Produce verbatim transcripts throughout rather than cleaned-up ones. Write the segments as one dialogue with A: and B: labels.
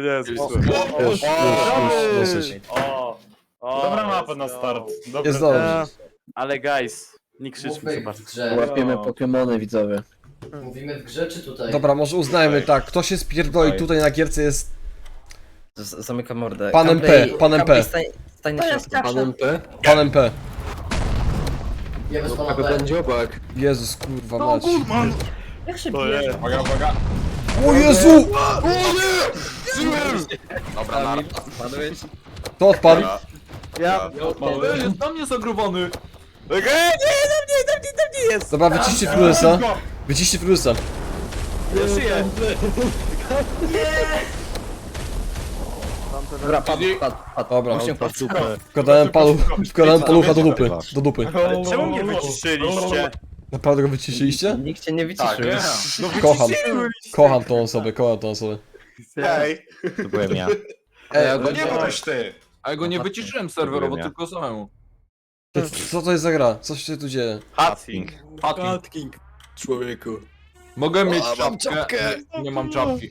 A: Jezu.
B: Już, już, już, dosyć.
A: O, o,
C: Dobra mapa na
A: let's go.
C: start. Dobra.
B: Jest dobrze.
A: Ale guys, nie krzyczmy
D: Mówmy
A: za
D: w
A: bardzo.
D: grze.
E: Łapiemy Pokemony, widzowie.
D: Mówimy w grze czy tutaj?
B: Dobra, może uznajmy tak, kto się spierdoli tutaj na gierce jest
E: Z Zamykam mordę.
B: Panem P,
E: Campley-
B: panem P.
E: Campley, Stań, stań na
F: To jest
E: środku.
F: Panem
E: P?
B: panem P.
D: Ja bez pana
E: Tego
D: B.
E: ten dziobak.
B: Jezus, kurwa mać.
F: Jak się
A: To
F: bierze?
A: jest.
C: Uwaga, uwaga.
B: O Jezu!
C: Dobra, na.
E: Padłeś?
B: To odpadł.
A: Ja...
C: Ej, jest na mnie zagrubany.
A: Okej, nie, tam nie, tam nie, tam nie jest!
B: Dobra, wyciście Frusa. Wyciście Frusa.
A: Ja żyję!
E: Dobra, padł, padł, padł.
B: Dobra,
E: Właśnie padł.
B: wkładałem palu, wkładałem palucha do dupy. Do dupy.
A: Ale czemu mnie wyciszyliście?
B: Naprawdę go wyciszyliście?
E: Nikt cię nie
C: Tak,
E: wyciszył.
A: No
B: Kocham.
A: wyciszyliście!
B: Kocham tą osobę, kocham tą osobę.
A: Hej!
G: To byłem ja.
E: Ej, ja
C: No
E: go
C: nie byłeś ty.
H: A ja go nie wyciszyłem serwerowo, tylko samemu.
B: Co to jest za gra? Co się tu dzieje?
A: Hatting.
H: Hatking. Człowieku. Mogę mieć czapkę, nie, nie mam czapki.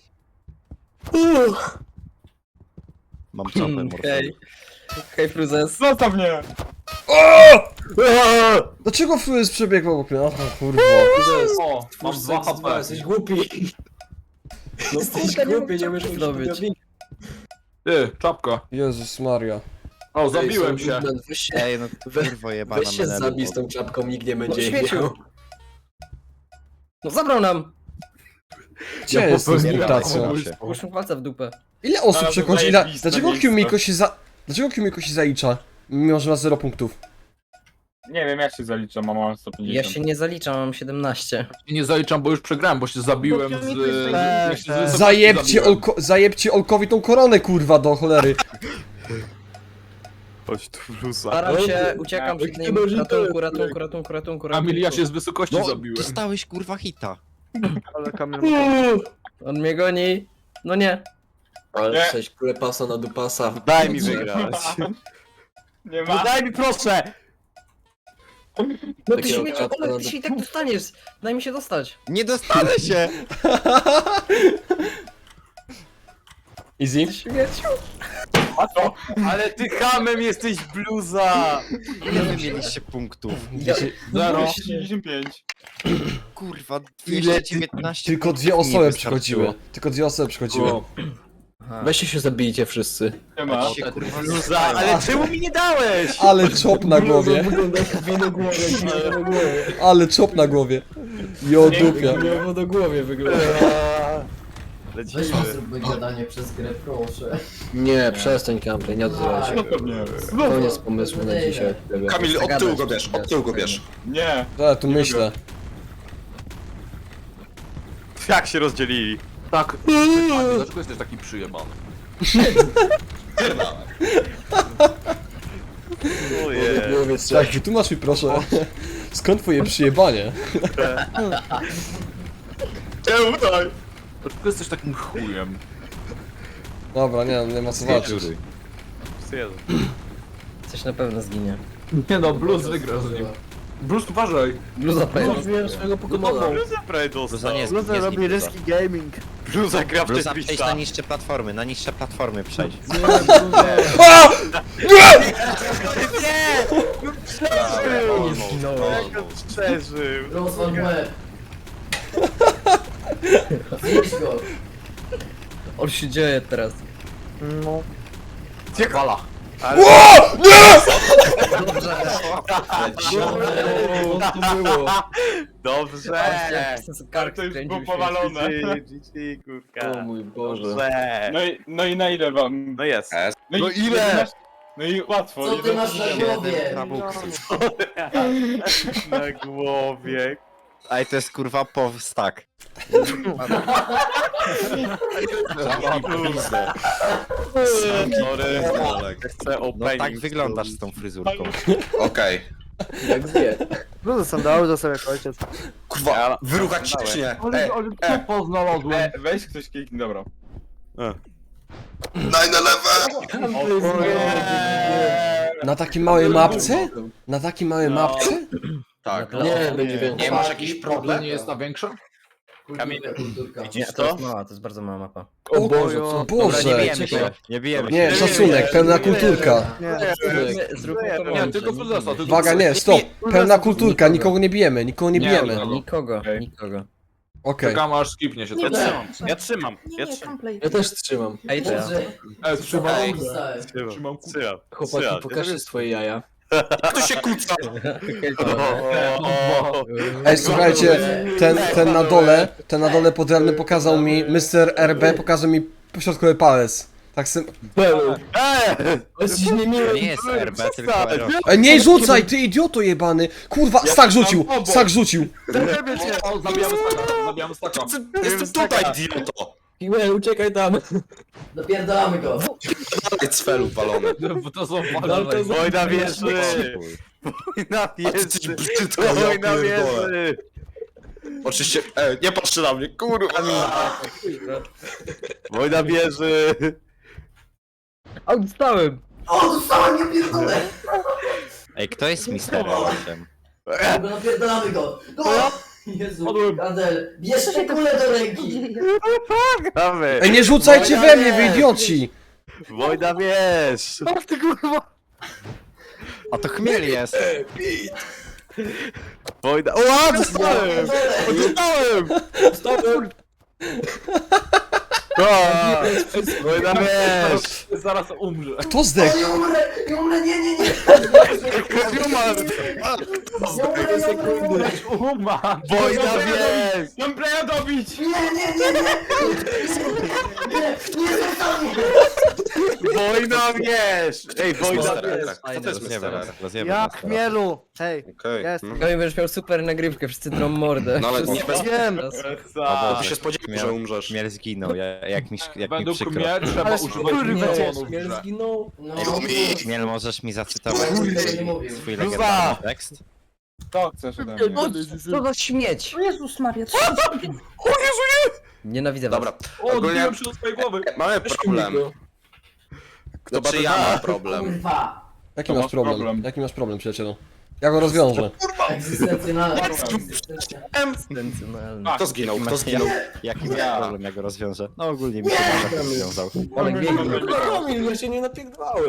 G: Mam czapę morską.
E: Hej. Hej, Fruzes.
C: Zostaw mnie.
B: Dlaczego Frus przebiegł obok mnie? O kurwa.
C: O, mam dwa H P.
E: Jesteś głupi. Jesteś głupi, nie możesz zdobyć.
H: Ty, czapka.
B: Jezus Maria.
H: O, zabiłem się.
E: Weź się,
G: Ej, no kurwo jebana
E: weź się
G: menelu.
E: zabij z tą czapką, nikt nie będzie jej miał. No zabrał nam!
B: Gdzie
H: Ja
B: jest z
H: popełniłem
B: mutacją?
G: samobójstwo.
E: Połóżmy palca w dupę.
B: Ile osób
C: Ale
B: przechodzi? Ile...
C: zajebiste
B: Dlaczego
C: miejsce.
B: Kumiko się za... Dlaczego Kumiko się zalicza? Mimo, że ma zero punktów.
C: Nie wiem jak się zalicza, mam sto
E: Ja
C: pięćdziesiąt.
E: się nie zaliczam, mam siedemnaście.
H: I nie zaliczam, bo już przegrałem, bo się zabiłem z...
A: tak,
H: z- z-
A: tak.
H: z-
B: Zajebcie,
H: zabiłem.
B: Olko... Zajebcie Olkowi tą koronę, kurwa, do cholery.
A: Chodź tu Brusa.
E: Staram się, uciekam przed nim. Ratunku, ratunku, ratunku, ratunku,
H: Kamil, ja
E: ratunku.
H: się z wysokości
G: No,
H: zabiłem.
G: dostałeś kurwa hita.
E: On mnie goni. No nie.
C: Nie.
E: Ale sześć klepasa na dupasa.
A: Daj mi wygrać.
C: Nie
A: No
C: ma.
A: daj mi proszę!
E: No ty Takiego śmieci, czapka ale na ty się i tak dostaniesz. Daj mi się dostać.
G: Nie dostanę się!
B: Easy?
E: Śmieciu.
C: A co?
A: Ale ty hamem jesteś bluza!
G: Ile wy mieliście punktów?
C: Zero. dziewięćdziesiąt pięć.
G: Kurwa, dwieście dziewiętnaście
B: Tylko dwie
G: punktów mi
B: osoby
G: nie
B: przychodziły.
G: wystarczyło.
B: Tylko dwie osoby przychodziły.
E: Weźcie się zabijcie wszyscy.
C: Nie ma.
G: Się, kurwa,
A: Bluza, ale czemu mi nie dałeś?
B: Ale czop na głowie.
E: Wygląda jak wino głowie, wino głowie.
B: Ale czop na głowie. Jo dupia.
E: Gniewo do głowie wygląda.
D: Weź
A: Lecimy.
D: mi zróbmy gadanie przez grę, proszę.
E: Nie, przestań Kampley, nie odzywaj się.
C: No to nie.
E: Koniec pomysłu na dzisiaj.
I: Kamil, od tyłu go bierz, od tyłu go bierz.
C: Nie.
B: Ja tu myślę.
A: Jak się rozdzielili?
H: Tak. A dlaczego jesteś taki przyjebany?
A: Ojej.
B: Tak, wytłumacz mi proszę. Skąd twoje przyjebanie?
C: Czemu tutaj?
H: Dlaczego jesteś takim chujem?
B: Dobra, nie, nie ma co walczyć.
A: Jezu.
E: Coś na pewno zginie.
H: Nie no, Blues wygrał z nim. Blues, uważaj.
E: Bluza pędzi. swojego Pokemona.
A: Bluza prawie dostał.
G: Bluza nie jest, nie jest
F: robi ryski gaming.
A: Bluza gra w
G: Bluza, przejdź na
A: Tetris'a.
G: niższe platformy, na niższe platformy przejdź.
B: A!
E: Nie zginąłem.
A: Jak on przeżył?
D: Rozwal łeb. Zjedź go.
E: On się dzieje teraz.
F: No.
H: Wala.
A: Ale...
E: Dobrze.
B: to było?
A: Dobrze!
E: Kark
C: To już
E: skręcił
C: było
E: się.
C: powalone.
A: G G, kurka.
E: O mój Boże.
A: Dobrze.
C: No i, no i na ile wam?
A: No jest.
C: No,
A: No
C: i,
A: ile?
C: No i łatwo.
D: Co ty
C: jeden
D: masz na
C: strzał.
D: głowie?
G: Na buksy.
A: Na głowie.
G: Ej, to jest kurwa po stack.
A: Sorry. Chcę
G: No
A: opening.
G: tak wyglądasz z tą fryzurką.
I: Okej.
E: Jak zje.
F: Bluzy są do auto sobie jak ojciec.
I: Kurwa, wyruchać się czy nie?
H: Ale,
I: Ej,
H: ale co poznalazłem?
C: E, weź ktoś kliknij, dobra.
I: nine eleven!
B: Na takiej małej mapce? Na takiej małej
C: No.
B: mapce?
I: Tak.
E: Nie, będzie więcej.
I: Nie masz jakiś problem?
H: Nie jest na większa?
A: Kamil,
D: Kulturka.
A: widzisz
E: Nie, to jest
A: to?
E: mała, to jest bardzo mała mapa.
B: O
H: Boże, co?
G: Dobra, nie
B: Boże!
G: bijemy się, nie bijemy się.
B: Nie, szacunek, pełna kulturka.
E: Zróbmy, zróbmy
A: Nie,
E: to
H: Nie,
E: mądrze.
H: tylko Fruzesa, tylko
B: Uwaga, nie, stop. Pełna kulturka, nikogo nie bijemy, nikogo nie
H: Nie,
B: bijemy.
H: no.
E: Nikogo,
H: Okej.
E: nikogo.
B: Okej.
H: Czekam aż skipnie się
A: Ja
H: to.
A: trzymam, ja trzymam,
J: Nie,
A: ja
J: nie,
A: trzymam.
J: gameplay.
F: Ja też trzymam.
E: Ej, to ja.
D: Dobrze.
H: E, trzymam.
D: Ej, dostałem.
A: Trzymam,
H: Trzymam
A: trzymam.
F: Chłopaki,
A: trzymam.
F: pokażcie swoje jaja.
I: Kto się kłóca?
A: O,
B: Ej, słuchajcie, ten, ten na dole, ten na dole pod realnym pokazał mi, mister R B pokazał mi pośrodkowy palec. Tak sym...
F: Jesteś niemiły.
G: To nie jest R B, tylko R O.
B: Ej, nie rzucaj, ty idioto jebany! Kurwa, stak rzucił, stak rzucił!
H: O, zabijamy staka, zabijamy staka.
I: Jestem tutaj, idioto!
F: Kiwel, uciekaj tam.
D: Dopierdalamy go.
I: Dalej cfelu walony.
H: Bo to są
F: Walka z-
A: Wojna wieży! Wojna
I: A ty jesteś
A: wieży!
I: brzydka, ja
A: Wojna
I: pierdolę.
A: wieży!
I: Oczywiście, e, nie patrzcie na mnie, kurwa!
A: Wojna wieży!
F: A, dostałem.
D: O, dostałem, ja pierdolę.
G: Ej, kto jest mister osiem?
D: Dobra, napierdalamy go. Go! Jezu, Adel, bierz
J: Co
D: te
J: się to
D: kule do ręki.
A: Gramy!
B: Ej, nie rzucajcie we mnie, wy idioci!
A: Wojna wież!
G: A to chmiel jest.
A: Wojna... O, dostałem! Dostałem!
F: Dostałem.
A: O, Wojna wież!
H: Zaraz umrze.
B: Kto zdechł?
D: Nie umrę, nie umrę, nie, nie, nie.
A: Umarł!
D: Nie umrę, nie umrę.
H: Uma!
A: Wojna wież!
H: Gamplaya dobić!
D: Nie, nie, nie, nie. Nie, nie, zostaw mnie.
A: Wojna wież! Ej, wojna
I: Mister
A: wież!
I: R. Co to jest
G: Rozjebę
I: mister R?
G: nas, rozjebę
F: Ja
G: nas teraz.
F: chmielu. Hej,
I: Okej.
F: jest.
I: no.
E: Kamil będziesz miał super nagrywkę, wszyscy drą mordę.
I: No ale
E: Wszyscy-
I: nie bez...
F: wiem.
I: Bo
A: Za.
I: ty się spodziewał, że umrzesz.
G: Chmiel zginął, ja- jak mi, jak mi
H: Według
G: przykro.
H: mnie trzeba
F: Ale
H: używać
F: kurwa,
H: milionów.
F: Śmiel zginął.
D: No,
G: Chmiel, możesz mi zacytować
D: Kurde,
G: swój,
D: nie mówił.
G: swój
A: Luza!
G: legendarny tekst?
C: To chcesz ode mnie.
E: Co za śmieć!
J: O Jezus Maria, co?
E: Nienawidzę was.
I: Dobra,
H: O,
I: ogólnie
H: odbiłem się do swojej głowy.
I: mamy problem. Kto czy ja mam problem?
D: kurwa.
B: Jaki
H: To
B: masz
H: masz
B: problem?
H: problem.
B: Jaki masz problem, przyjacielu? Ja go rozwiążę.
D: Egzystencjonalna.
E: Intencjonalny.
I: Kto zginął? Kto zginął?
G: Jaki ja. problem, jak go rozwiążę? No ogólnie mi się nawet rozwiązał.
E: Olek biegnie.
F: Kamil, ja się nie napierdwałem.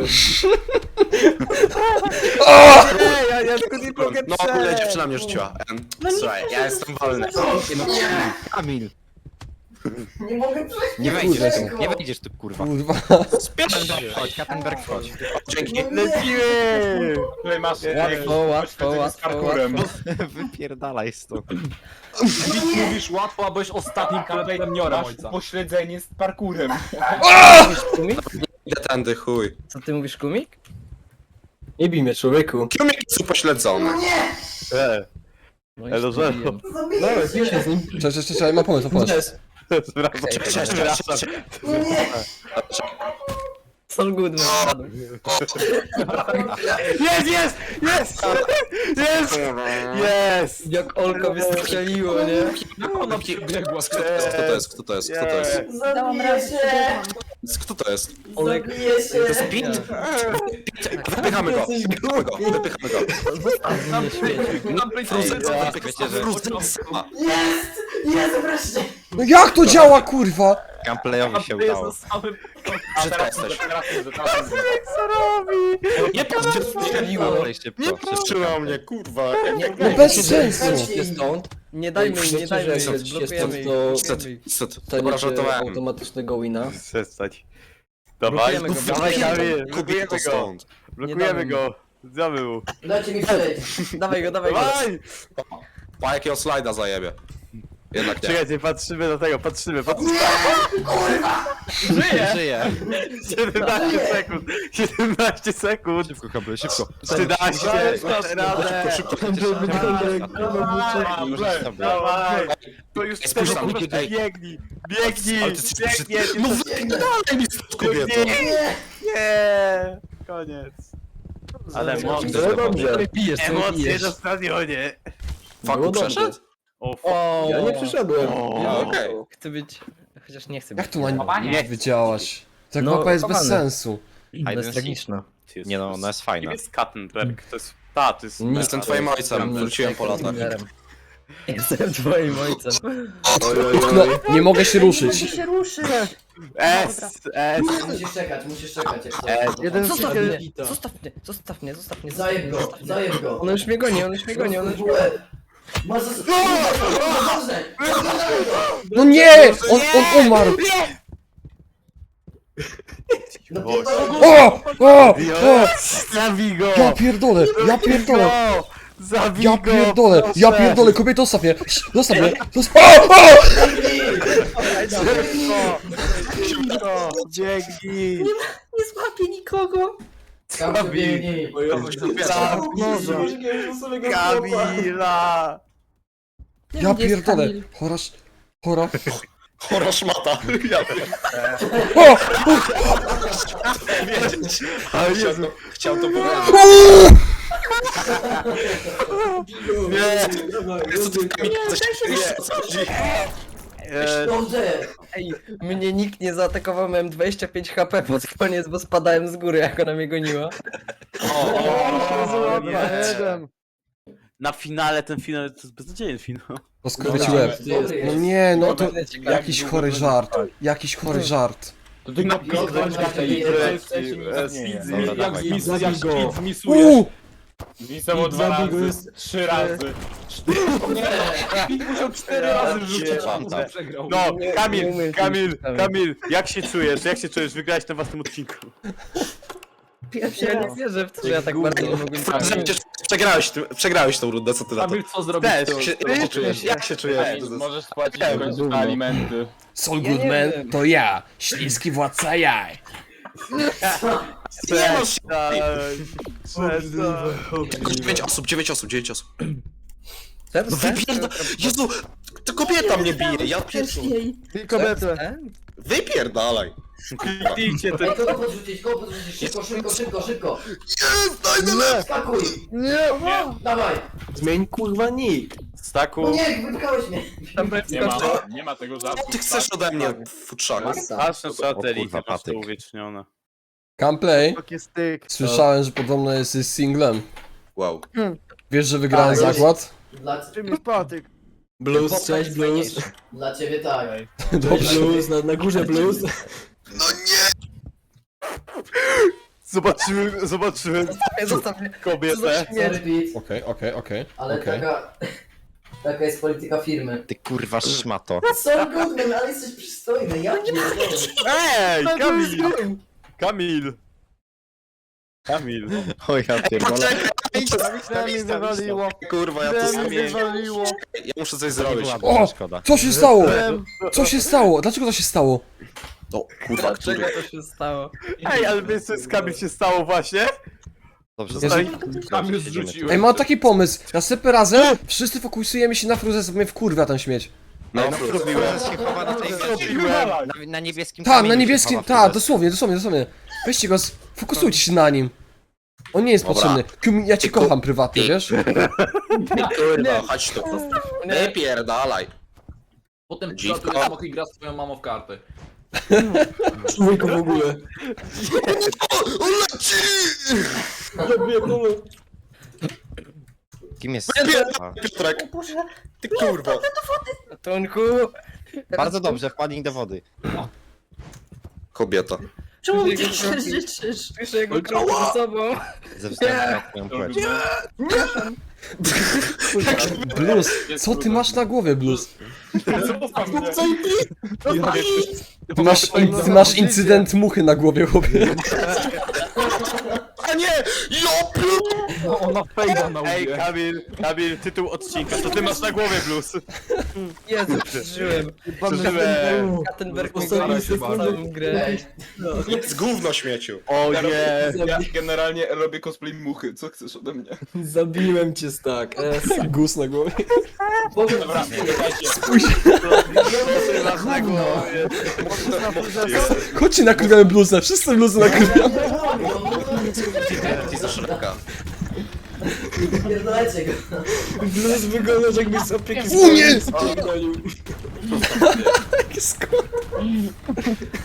A: Ej, ja, ja tylko nie mogę
I: No ogólnie dziewczyna mnie rzuciła. Em,
J: No nie
I: Słuchaj, ja jestem wolny.
G: Kamil,
D: Nie mogę przejść.
G: nie wejdziesz
D: Kurwa.
G: tu, nie wejdziesz tu, kurwa.
B: Kurwa.
G: Kattenberg, wchodź, Kattenberg, wchodź.
I: Dzięki.
A: Lecimy!
C: Tutaj masz
E: Łatwo, łatwo,
C: z
E: łatwo,
C: parkurem.
G: Wypierdalaj stąd.
H: Nic mówisz łatwo, a byłeś ostatnim kandydatem Niora
C: Masz
H: ojca.
C: pośledzenie z parkurem.
E: Mówisz kumik?
I: Idę tędy, chuj.
E: Co ty mówisz kumik?
F: Nie bij mnie, człowieku.
I: Kiumik jest upośledzony.
A: E,
E: No
A: Elo,
E: i
A: żero.
E: zrobiłem.
D: Zabiję
F: Dawaj, bij
D: się.
F: się z nim.
B: Cześć, cześć, cześć, mam pomysł, mam pomysł.
F: Jest.
A: Zwracam.
I: Cześć, cześć, cześć, cześć.
D: No nie.
E: Sol Goodman spadł.
A: Jest, jest! Jest! Jest! Jest!
E: Jak Olka wystrzeliło, nie?
H: Jak ona biegła?
I: Kto to jest? Kto to jest? Kto to jest?
J: Dałam
D: Zabiję
J: radę,
D: się.
J: przebiegłam.
I: Kto to jest?
E: Olek.
D: Zabiję się.
I: To jest Pit? Wypychamy go. Wypychamy go. Wypychamy go.
E: Zostaw mnie śmieci.
H: Gameplay
I: Fruzenca,
G: wiecie, że-
I: fruzenca.
D: Jest! Jest wreszcie!
B: No jak to działa, kurwa?
G: Gameplayowi się
H: Gameplay
G: udało.
H: jest na samym...
I: Brzydka jesteś.
A: Co robi?
I: Nie patrzcie,
E: Strzeliło.
G: Gameplay szybko,
I: nie
G: szybko.
I: patrzyła mnie, kurwa.
E: Nie,
B: No bez sensu.
E: Idźcie stąd. Nie dajmy im, nie dajmy im,
F: Że jak
E: zblokujemy ich.
F: to-
E: blokujemy ich.
I: Niestety, dobra,
F: Staniecie
I: żartowałem.
F: automatycznego wina.
A: Przestać. Dawaj,
E: Blokujemy go,
A: dawaj,
E: blokujemy
A: Kamil,
I: Kubik
A: blokujemy
I: to
A: go.
I: stąd.
A: Blokujemy go. Zjamy mu.
D: Dajcie mi przejść.
E: Dawaj go, dawaj go.
A: Dawaj!
I: Pa jakiego slajda zajebie. Jednak nie.
A: Czekajcie, patrzymy do tego, patrzymy, patrzymy.
G: Żyje! Żyje!
A: siedemnaście sekund, siedemnaście sekund.
G: Szybko, Kamil, szybko.
A: trzynaście, dasz radę.
I: Szybko,
G: Możesz sobie.
A: Dawaj. To już
I: Ej, spójrz na mnie,
A: sekund,
I: ej.
A: biegnij, biegnij,
I: Ale ty jesteś
A: biegnie,
I: brzydki. No wypierdalaj mi stąd, kobieto.
A: nie, koniec. Ale emocje,
F: No dobrze.
E: Bijesz, co
A: emocje
E: bijesz.
A: na stadionie.
I: Faku
F: Było dobrze.
I: przeszedł?
A: O, f-
E: O,
F: Ja nie przyszedłem.
A: O,
F: Nie,
I: okej.
E: Chcę być... Chociaż nie chcę
B: Jak
E: być.
B: tu ma nie wydziałaś? Ta
E: No,
B: mapa jest bez
E: kochany.
B: sensu.
E: To
G: Hide
E: jest
G: and
E: tragiczna.
G: Nie no, ona jest
A: Kim
G: fajna.
A: jest Kattenberg? To jest... Ta, to jest...
I: Jestem twoim ojcem, wróciłem po latach.
E: Killerem.
F: Jestem twoim ojcem.
B: No, nie mogę się
J: Nie
B: ruszyć.
J: mogę się ruszyć.
A: S, S.
D: Musisz czekać, musisz czekać jak
A: E,
D: coś.
A: jeden
F: Zostaw
A: skill.
F: mnie, zostaw mnie, zostaw mnie, zostaw mnie.
D: Zajeb go, zajeb go.
F: On już mnie goni, on już mnie goni, on już mnie goni.
D: Masz zas... Dobrze!
B: No nie! On, on umarł!
D: No
A: Boże.
B: O! O! O!
A: Zabij go!
B: Ja pierdolę! Ja pierdolę!
A: Zabij
B: Ja
A: go!
B: pierdolę! Ja
A: proszę.
B: pierdolę! Kobieto, zostaw mnie! Zostaw mnie! Zostaw... O! O!
A: Szybko! Biegnij!
J: Nie złapię nikogo.
D: Kamil, biegnij.
A: Kamila!
B: Ja
J: Gdzie jest
B: pierdolę!
J: Kamil?
B: Chora... sz- Chora...
I: Chora szmata. Ja
B: O!
I: chciał to, chciał to powiedzieć.
D: Nie!
I: Co ty Kamil, coś
J: daj się
I: o co chodzi?
A: E,
D: Dobrze!
F: Ej, mnie nikt nie zaatakował, miałem dwadzieścia pięć H P pod koniec, bo spadałem z góry, jak ona mnie goniła.
A: Na finale, ten finał to jest beznadziejny finał.
B: Rozkurwię ci łeb.
D: Dobry
B: No
D: jest.
B: nie, no to...
F: Będę ciekawy.
B: Jakiś chory żart. Jakiś chory żart.
H: To ty napisz,
D: Dobra,
H: że
D: dobra,
H: tej
D: dobra.
H: jak
G: Dobra,
H: zmiz,
G: dawaj.
H: jak Speed zmisujesz.
B: Uuu!
C: Zwisał dwa razy, trzy razy.
H: Speed musiał cztery razy rzucić,
G: Panta.
H: a przegrał.
A: No,
F: Nie- nie
A: Kamil,
F: umiem
A: Kamil,
F: się ustawić.
A: Kamil, jak się czujesz? Jak się czujesz? Wygrałeś na własnym odcinku.
J: Pierwszy
F: Ja nie
J: raz.
F: wierzę w to, że ja tak bardzo nie mogłem trafić.
I: Przegrałeś, ty- przegrałeś tą rundę, co ty na to?
H: Kamil, co zrobić?
A: Też.
H: to-
I: Się-
H: to
I: Jak się
H: czujesz?
I: czujesz? Jak się czujesz?
C: Możesz spłacić w końcu alimenty.
B: Saul
F: Ja nie
B: Goodman
F: wiem.
B: to ja, śliski władca jaj.
I: Nie masz...
A: Przestań.
I: dziewięć osób, dziewięć osób, dziewięć osób.
F: Ten,
I: No wypierda... Jezu! To kobieta mnie bije, ja pierwszy.
J: Wcześniej.
I: Wypierdalaj.
A: Kliknijcie ten.
D: Ej, kogo podrzucić, kogo podrzucić? Szybko, szybko, szybko, szybko!
I: Jest, daj na lew!
D: Skakuj! Nie! Dawaj!
F: Zmień kurwa nick.
A: Staku.
D: No nie, wypchałeś mnie!
C: Nie ma, nie ma tego żartu.
I: Ty chcesz ode mnie, futrzaku?
A: Patrz na
G: O
A: satelitę,
G: kurwa,
A: masz to
G: patyk.
A: uwiecznione.
B: Camplay, słyszałem, że podobno jesteś singlem.
I: Wow.
B: Wiesz, że wygrałem
D: Tak,
B: zakład?
D: Dla,
F: Blues, cześć blues.
D: dla ciebie tak.
B: Dobrze.
F: Blues, na, na górze blues.
I: No nie!
A: Zobaczyłem, zobaczyłem
F: Zostaw mnie.
A: kobietę.
D: Sorry, Pete,
B: Okej, okej, okej,
D: ale
B: okej.
D: taka... Taka jest polityka firmy.
G: Ty kurwa szmato.
D: Saul Goodman, ale jesteś przystojny, ja nie
A: Ej, Kamil! Kamil! Kamil.
G: O ja pierdolę.
I: Kurwa, ja to zrobię. Ja muszę coś zrobić.
B: O!
G: Szkoda.
B: Co się stało? Co się stało? Dlaczego to się stało?
I: No, kurwa, który?
F: Dlaczego to się stało?
A: Ej, ale wiesz co z Kamil się stało właśnie?
G: Dobrze,
B: Jezu.
G: zostań.
H: Kamil
G: Siedzimy tu.
H: zrzucił.
B: Ej, mam taki pomysł. Następnym razem wszyscy fokusujemy się na fruzę, bo mnie wkurwia ten śmieć.
I: No,
G: No, zrobiłem. się chowa na tej
A: Zrobiłem.
G: na, na niebieskim
B: Tak,
G: kamieniu
B: na
G: się
B: niebieskim,
G: chowa
B: tak,
G: Fuzes.
B: dosłownie, dosłownie, dosłownie. Weźcie go, fokusujcie się na nim. On nie jest
I: Dobra.
B: potrzebny. Kium, ja cię kocham prywatnie, wiesz?
I: kurwa, chodź tu. Wypierdalaj.
H: Potem
I: Dziwko.
H: przylatuje samochód i gra z twoją mamą w karty.
F: Człowieku w ogóle.
I: On leci!
G: Kim jest? A,
I: Piotrek,
J: O Boże.
I: ty kurwa.
F: Ratunku.
G: bardzo dobrze, wpadnij do wody.
I: Kobieta.
J: Czemu mi
F: Jego
J: tak się
F: kroki.
J: życzysz?
F: Słyszę jego kroki za sobą.
G: Ze względu na twoją płeć.
B: Blues, co ty masz na głowie, Blues? Ty masz, in, ty masz incydent muchy na głowie, chłopie.
I: A nie! Ja pier...
H: Ona fejda na
A: Ej,
H: łbie.
A: Kamil, Kamil, tytuł odcinka, co ty masz na głowie, Blues?
F: Jezu, przeżyłem.
A: Przeżyłem.
F: Kattenberg
H: Postaraj
F: mnie
H: się
F: goni
H: bardzo.
F: całą grę.
D: Ej,
I: Z gówno śmieciu.
A: O
C: Ja,
A: nie.
C: robię, ja generalnie robię cosplay muchy, co chcesz ode mnie?
F: Zabiłem cię, Stak. Es.
B: Gus na głowie.
D: powiem
C: Dobra,
D: ci,
C: słuchajcie.
A: Co ty masz na głowie?
B: Chodźcie, nakrywamy Bluesa, wszyscy Bluesy nakrywamy.
I: Ty za szeroka.
D: pierdolajcie go.
F: Blues wyglądasz jakbyś z opieki
B: U nie!
F: spierdolił.
B: Jakie sko-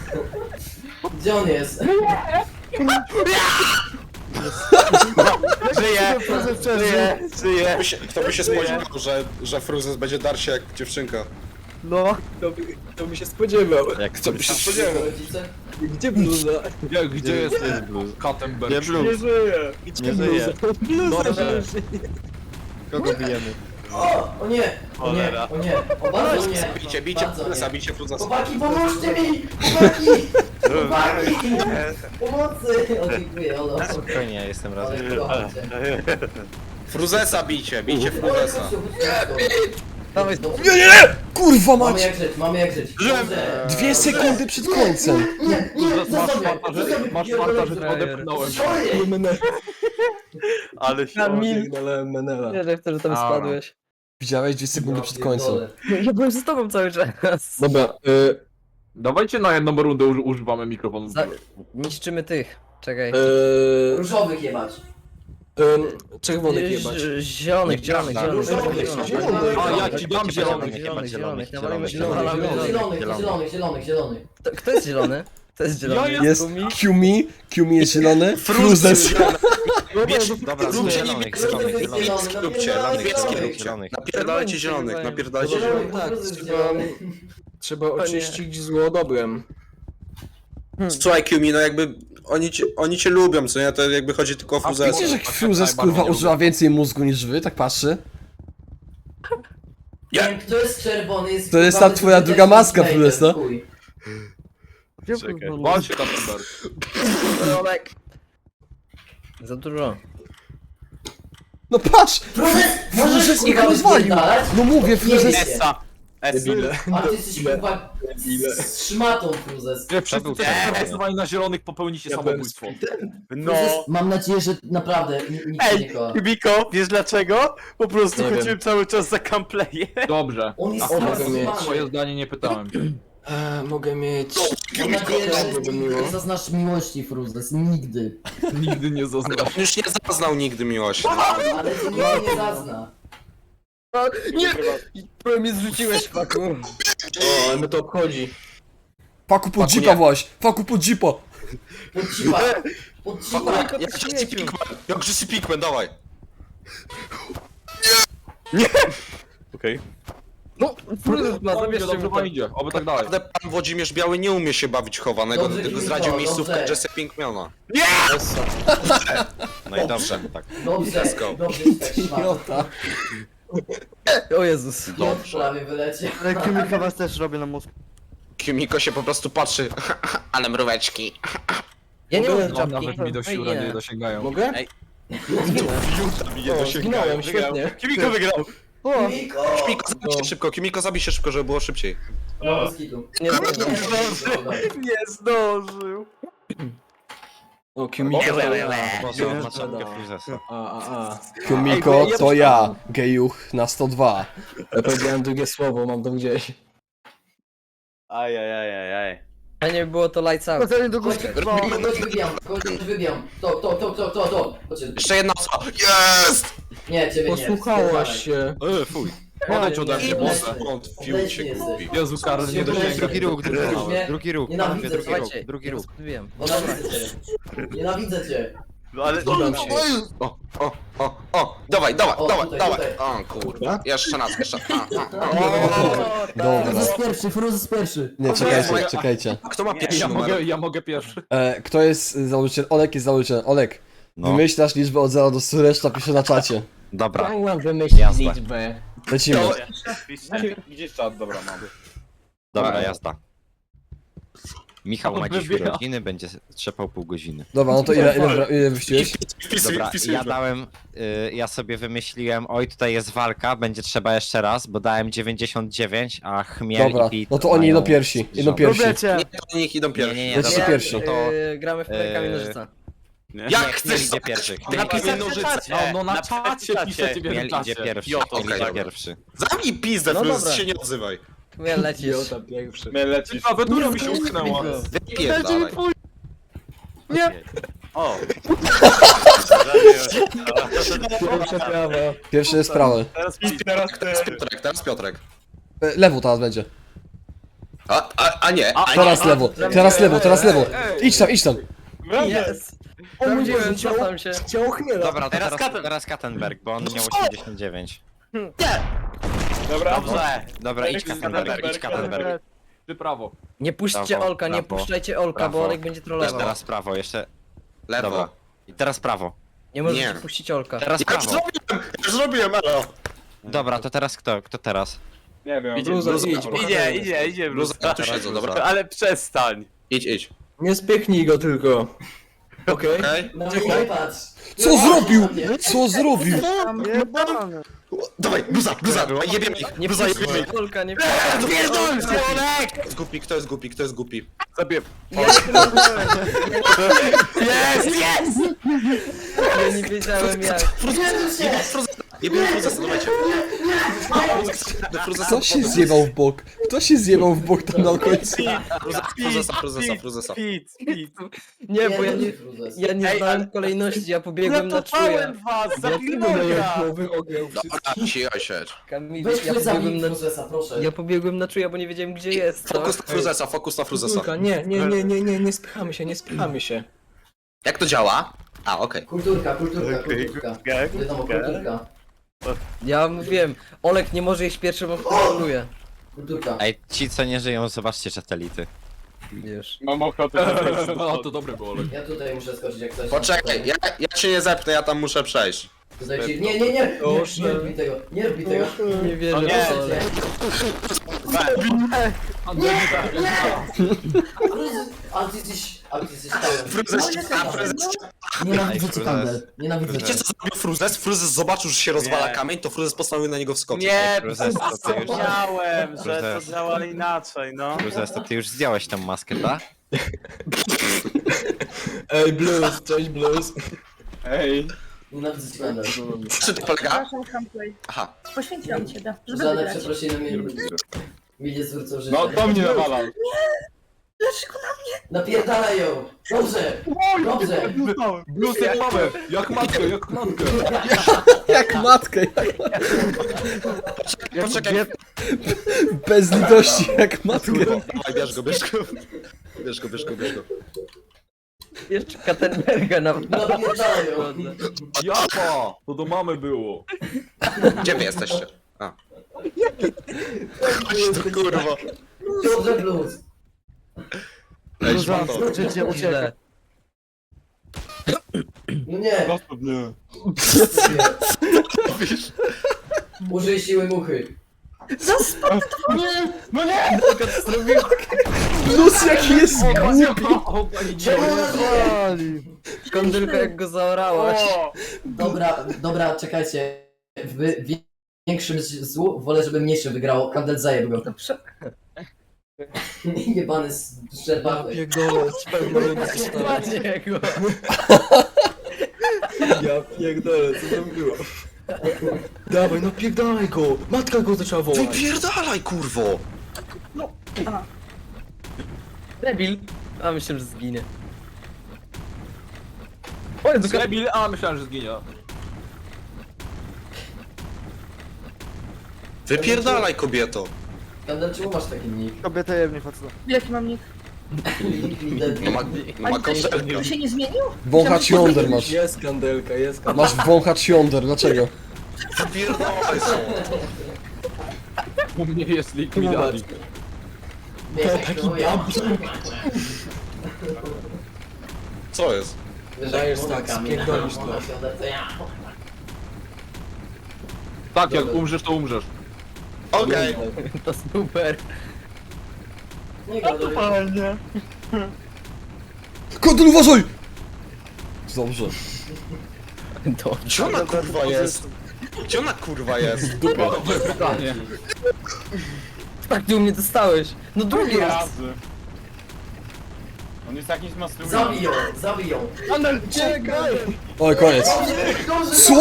D: Gdzie on jest?
A: Żyje! Żyje! Żyje!
I: Kto by się, kto by się spodziewał, że, że Fruzes będzie darszy jak dziewczynka?
E: No. To by, to by się spodziewał.
G: Jak
I: Kto by się spodziewał?
D: Rodzice?
E: Gdzie bluza?
H: Gdzie, gdzie jest
G: blues?
H: Kattenberg?
G: Nie blues.
E: żyje.
G: Nie żyje.
E: Bluza
H: Dobrze.
G: Kogo bijemy?
D: O! O nie! O nie! O nie! O bardzo nie!
I: Bicie, bicie
D: Bardzo
I: Fruzesa,
D: nie.
I: bicie Fruzesa.
D: Chłopaki, pomóżcie mi! Chłopaki! Chłopaki! Pomocy! O, dziękuję, Olo.
G: Spokojnie, ja jestem
D: Ale
G: razem.
D: kocham cię.
I: Fruzesa bicie, bicie
D: Oj,
I: Fruzesa.
D: chodź tu, chodź tu.
F: Dawaj,
D: Dobrze.
B: Nie, nie, nie! Kurwa
D: Mamy
B: mać!
D: jak żyć, mamy jak żyć. Dobrze.
B: Dwie sekundy przed końcem.
D: Nie, nie,
H: Masz
D: zostaw mnie,
H: farta, że,
D: zostaw mnie,
H: masz
D: pierdolę.
H: farta, że to odepchnąłem.
D: Sorry.
A: Ale się...
F: Kamil.
E: Pierdolę Menela.
F: Nie, że wtedy tam
H: Dobra.
F: spadłeś.
B: Widziałeś dwie sekundy przed końcem.
D: Pierdolę.
F: Ja byłem z tobą cały czas.
E: Dobra, y,
H: Dawajcie na jedną rundę uży- używamy mikrofonu.
F: Za... Niszczymy tych. Czekaj.
E: y,
D: Różowych jebać.
E: y, czerwonych jebać.
F: Ż- Zielonych, zielonych, zielonych,
D: Różowych,
F: zielonych,
D: zielonych.
H: A ja ci dam zielony.
F: zielonych, zielonych, nawalimy
G: Zielonych,
F: zielonych,
D: Zielonych,
F: zielonych.
D: zielonych, zielonych, zielonych, zielonych.
F: Kto- Kto jest zielony? Kto jest zielony?
B: Jest
F: Kumi?
B: Qmi, Qmi jest zielony, Fruzes.
I: Bierz,
G: Dobra,
I: róbcie
G: zielonych,
I: zielonych,
G: zielonych,
D: Różowych
G: zielonych.
D: jest
I: róbcie,
D: zielony,
I: niebieskich
D: napierdalaj
I: róbcie.
G: Zielonych.
I: Napierdalajcie zielonych, napierdalajcie zielonych.
D: Zielonych,
E: Tak,
D: różowych jest
E: trzeba,
D: zielony.
E: trzeba oczyścić zło dobrem.
I: Słuchaj Kiumi, no jakby oni cię, oni cię lubią, co nie? To jakby chodzi tylko o Fruzesa.
B: Wiecie, że Fruzes kurwa używa więcej mózgu niż wy, tak patrzy?
D: Nie wiem, kto jest czerwony, jest
B: To jest
D: kurwa
B: ta twoja
D: wyzwyczajny
B: druga maska,
D: Vader,
B: Fruzes, no?
D: chuj.
H: Walcie Kattenberg.
F: Zielonek. Za dużo.
B: No patrz!
D: Fruzes, możesz
B: Fruzes ich
D: kurwa
B: rozwalił!
D: wypierdalać?
B: No mówię,
D: Nie
B: Fruzes...
D: wiecie.
A: Essa! Essa!
E: Debile.
D: A ty jesteś kurwa z szmatą, Fruzes.
H: Nie, wszyscy
G: był
H: też
G: ten.
H: głosowali na zielonych, popełnicie
E: Ja byłem
H: samobójstwo.
A: No!
D: Fruzes, mam nadzieję, że naprawdę n- nikt cię nie
A: Ej,
D: kocha.
A: Kubiko, wiesz dlaczego? Po prostu
E: Nie wiem.
A: chodziłem cały czas za gameplaye.
H: Dobrze.
D: On jest
E: A mogę mieć
D: strasowany.
H: Swoje zdanie nie pytałem.
E: E, mogę mieć...
D: Mam nadzieję, że
E: Byłoby miło.
D: nigdy nie zaznasz miłości, Fruzes. Nigdy.
H: Nigdy nie zaznaczę.
I: On już nie zaznał nigdy miłości.
D: Ale to nigdy nie zazna.
F: Nie! Prawie mnie zrzuciłeś, faku.
E: O, ale mnie to obchodzi.
B: Faku pod
I: Faku
B: jeepa
I: nie.
B: właśnie! Faku pod jeepa!
D: Pod cipa. Pod cipa.
I: Jak Jesse Pinkman, jak Jesse Pinkman, dawaj.
A: Okej.
F: No, Fruzes ma,
H: Dobrze,
F: zabierzcie
H: dobrze
F: mu
H: wam
F: to.
H: idzie, oby tak dalej.
I: Naprawdę pan Włodzimierz Biały nie umie się bawić chowanego,
D: Dobrze,
I: dlatego
D: Kimiko,
I: zdradził miejscówkę
D: dobrze.
I: Jesse Pinkmana.
G: No i dobrze, tak.
D: Dobrze,
I: Let's go.
D: dobrze, tak szmata.
B: Idiota.
F: O Jezus.
D: Dobrze. Prawie wyleciał.
K: Ale Kimika was też robię na mózg.
I: Kimiko się po prostu patrzy, ale mróweczki.
F: Ja nie
E: Mogę?
F: mam
H: No,
F: czapki.
H: nawet mi do siura nie dosięgają.
E: Mogę? O, zginąłem, świetnie.
A: Kimiko wygrał!
F: O,
D: Miko!
I: Kimiko, zabij się szybko, Kimiko, zabij się szybko, żeby było szybciej.
D: No, z kitu.
F: nie, nie, nie.
A: Nie zdążył!
E: O, Kimiko.
G: Głosował na czapkę Fruzesa.
E: A, a, a.
B: Kumiko, to ja, gejuch na sto dwa.
E: Ja powiedziałem drugie słowo, mam to gdzieś.
A: Ajajajajaj.
F: A nie było to lights out.
K: Chodzenie do góry.
D: Chodź, chodź, wybijam, chodź, wybijam. To, to, to, to, to, to. Chodźcie.
I: Jeszcze jedna osoba. Jest!
D: Nie, ciebie nie.
E: Posłuchałaś się.
G: E, fuj.
H: Odejdź ode mnie,
D: Obleśny.
H: boże.
I: Wątpił
D: Obleśny
I: się
D: jesteś.
I: głupi.
H: Jezu, Karol, nie
D: Obleśny.
H: dosięga.
G: Drugi róg, drugi róg,
D: Nie.
G: drugi róg,
D: Nienawidzę
G: panowie, drugi
D: cię.
G: róg,
F: Słuchajcie,
G: drugi
F: ja
G: róg.
F: rozprawiłem.
D: Nienawidzę cię. Nienawidzę cię.
A: No ale...
E: Zgadzam się.
I: O, o, o, o, dawaj, dawaj,
D: O,
I: dawaj,
D: tutaj,
I: dawaj.
D: tutaj.
I: O kurwa, jeszcze raz, jeszcze raz. A, a.
B: Dobra.
D: pierwszy, Fruzes pierwszy.
B: Nie, czekajcie, czekajcie.
I: Kto ma pierwszy
H: Ja mogę,
I: numer?
H: ja mogę pierwszy.
B: E, kto jest y, założycielem? Olek jest założycielem. Olek,
G: No,
B: wymyślasz liczbę od zera do stu, reszta pisze na czacie.
G: dobra.
E: Ja mam wymyślić
G: Jazda.
E: liczbę.
B: Lecimy.
H: Gdzie czat? Dobra, mam.
G: Dobra, jazda. Michał ma dziś
H: Wybija.
G: urodziny, będzie trzepał pół godziny.
B: Dobra, no to ile, ile, ile wyściłeś?
I: Wpisuj,
G: Dobra,
I: wpisuj.
G: ja dałem, y, ja sobie wymyśliłem, oj tutaj jest walka, będzie trzeba jeszcze raz, bo dałem dziewięćdziesiąt dziewięć, a Chmiel
B: Dobra,
G: i Pit
B: no to oni idą
G: mają
B: pierwsi, idą
G: sześćdziesiąt.
B: pierwsi.
K: Robiecie.
I: Nie, to niech idą
G: Nie,
I: pierwsi.
G: nie, nie,
B: Leci
G: dobra,
B: pierwszy.
G: no to
F: Yy, gramy w kamień
G: Eee,
F: nożyca.
A: Nie?
G: nie,
I: Jak
G: Chmiel
I: chcesz
G: idzie pierwszy. Chmiel,
I: Napisać nożyce.
H: No, no na
A: Napisać
H: czacie
A: czacie.
H: piszecie w
G: Chmiel idzie
H: czasie.
G: pierwszy,
A: Jo,
G: Chmiel
I: okej,
G: idzie
I: dobra.
G: pierwszy.
I: Zamknij pizdę,
F: No
I: Fruzes,
F: dobra.
I: się nie odzywaj.
F: Chmiel lecisz.
E: Idiota pierwszy.
H: Mnie lecisz. Klawiatura mi się utknęła.
I: Wypierdalaj.
A: O!
E: Pierwsza prawa.
B: Pierwszy jest prawy.
A: Teraz
I: Teraz Piotrek, teraz Piotrek.
B: E, lewo teraz będzie.
I: A, a, a nie, a nie.
B: Teraz lewo, teraz lewo, teraz lewo. Idź tam, idź tam.
F: Jest. Sprawdziłem, cofam się.
K: Ciało chmiela.
G: Dobra, to
A: Teraz
G: teraz,
A: Katen.
G: teraz Kattenberg, bo on miał osiemdziesiąt dziewięć.
C: Dobra.
A: Dobrze.
G: Dobra, idź Kattenberg, idź Kattenberg.
H: Ty prawo.
F: Nie puśćcie
G: Prawo,
F: Olka, nie
G: prawo,
F: puszczajcie Olka, bo
G: prawo.
F: Olek będzie trollował.
G: Teraz prawo, jeszcze...
I: Lewo.
G: Dobra. I teraz prawo.
F: Nie możecie
I: Nie.
F: puścić Olka.
G: Teraz
I: Ja już
G: prawo.
I: zrobiłem, ja już zrobiłem, elo.
G: Dobra, to teraz kto? Kto teraz?
C: Nie wiem.
F: Idzie,
C: Bluza,
F: idź,
C: idź.
A: Idzie, idzie, idzie,
I: Bluza,
A: bluza.
I: tu siedzę, dobra.
A: Ale przestań.
I: Idź, idź.
K: Nie spiechnij go tylko. Okej?
I: Okej?
D: No nie patrz.
B: Co zrobił? Co zrobił?
K: Jebany.
I: Dawaj, bluza, bluza, jebiemy ich.
F: Nie
I: Bluza, jebiemy
F: puśćcie
I: ich.
F: Olka, nie
I: Pierdol, Kto jest głupi, kto jest głupi, kto jest głupi?
C: Sobie.
A: Jest, jest!
F: Ja nie wiedziałem jak.
I: Jebiemy fruzesa, dawajcie. Do fruzesa,
B: Kto się zjebał w bok? Kto się zjebał w bok tam na końcu?
I: fruzesa, fruzesa, fruzesa.
A: Speed, speed.
F: Nie, bo ja nie,
D: Jaki fruzes?
F: ja nie
A: Ej,
F: znałem
A: ale-
F: kolejności, ja pobiegłem na czuja.
A: Uratowałem was, zapilnoga!
I: Dobra, cicho siedź.
F: Kamil,
D: Weź
F: ja
D: ja
F: pobiegłem
D: zabij
F: na,
D: fruzesa, proszę.
F: ja pobiegłem na czuja, bo nie wiedziałem gdzie jest. Co?
I: Fokus na fruzesa, fokus na fruzesa.
K: Kulturka, nie, nie, nie, nie, nie, nie spychamy się, nie spychamy się.
I: Jak to działa? A, okej.
D: Kulturka, kulturka, kulturka. Wiadomo, kulturka.
F: Ja mówiłem, Olek nie może iść pierwszy, bo kontroluje.
D: Kulturka.
G: Ej, ci co nie żyją, zobaczcie satelity.
F: Wiesz.
C: Mam ochotę.
H: No to dobre było. Olek.
D: Ja tutaj muszę skoczyć jak coś.
I: Poczekaj, ja, ja cię nie zepnę, ja tam muszę przejść.
D: Tutaj ci... Nie, nie, nie! Nie, nie robi tego, nie robi tego.
F: Nie wierzę
A: O nie.
F: w to, Olek.
D: A ty jesteś... A ty jesteś pełen.
I: Fruzes, a fruzes.
D: Nienawidzę cię,
G: Fruzes.
D: Kandel. Nienawidzę
I: Wiecie
D: cię.
I: co zrobił fruzes? Fruzes zobaczył, że się rozwala
A: Nie.
I: kamień, to fruzes postanowił na niego wskoczyć.
A: Nie,
G: Fruzes, to ty już...
A: zapomniałem, że
G: Fruzes.
A: to działa inaczej, no.
G: Fruzes, to ty już zdjąłeś tą maskę, tak?
K: Ej, Blues, cześć Blues.
C: Ej.
D: Nienawidzę cię, Kandel.
I: Czy to polega?
J: Przepraszam, Camplay.
I: Aha.
J: Poświęciłam cię, da, żeby
D: Żadne
J: wygrać.
D: przeprosiny mnie, mi nie zwrócą życia.
C: No to mnie nawalał.
J: Dlaczego
D: Napierdalaj ją! Dobrze! Dobrze!
H: Blues jak mamy, jak matkę, jak matkę.
B: Jak matkę,
I: Poczekaj,
B: bez litości, jak matkę.
I: dawaj, bierz go, bierz go. Bierz go, bierz go, bierz go.
F: Jeszcze Kattenberga na...
D: Napierdalaj ją!
H: Japa! To do mamy było.
I: Gdzie wy jesteście? A. Chodź tu, kurwa.
D: Dobrze, blues!
I: Ej, szmato.
K: Życie
F: Źle.
D: No nie!
C: Zostaw mnie.
D: Użyj siły muchy.
C: No nie!
B: Plus jaki jest głupi.
F: Kondylka jak go zaorałaś.
C: O!
D: Dobra, dobra, czekajcie. W większym złu wolę, żeby mniejsze wygrało. Kandel zajeb go. Jebany szczerbawy.
K: Pierdolę, z pewno nie dostałem.
F: Ładnie go.
K: Ja pierdolę, co tam było? Dawaj, no pierdolaj go! Matka go zaczęła wołać.
I: Wypierdalaj, kurwo!
F: Debil. A myślę, że zginie. O, Jezu,
H: Debil, a myślałem, że zginie.
I: Wypierdalaj, kobieto!
D: Kandel, czemu masz taki nick?
K: Kobieta jebnie faceta.
J: Jaki mam nick?
I: No ma, no ma koncertkę.
J: To się nie zmienił?
B: Wąchacz jąder masz.
K: Jest kandelka, jest kandelka.
B: Masz wąchacz jąder, dlaczego?
I: Wypierdalaj, są.
H: U mnie jest likwidacji.
D: Wiesz, to ja.
I: Co jest?
K: Dajesz tak, spierdolisz to.
H: Tak, jak umrzesz, to umrzesz.
I: Okej.
F: to super.
D: Nie gadaj.
B: Kondel, uważaj! Dobrze.
F: To.
I: Gdzie ona kurwa jest? Gdzie ona kurwa jest?
H: Dobre pytanie.
F: Tak, ty u mnie dostałeś. No drugi raz.
C: Razy. On jest jakiś master.
D: Zabij ją, zabij ją.
F: Czekaj.
B: Oj, koniec.
D: Dobrze,
B: Co?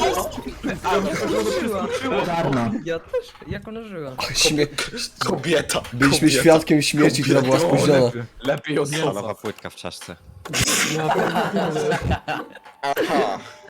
F: Czarna. Ja też. Jak ona żyła?
B: Śmie...
I: Kobieta.
B: Byliśmy
I: kobieta.
B: świadkiem śmierci, która była spóźniona.
H: Lepiej od nosa.
G: Stalowa płytka w czaszce.
I: Aha.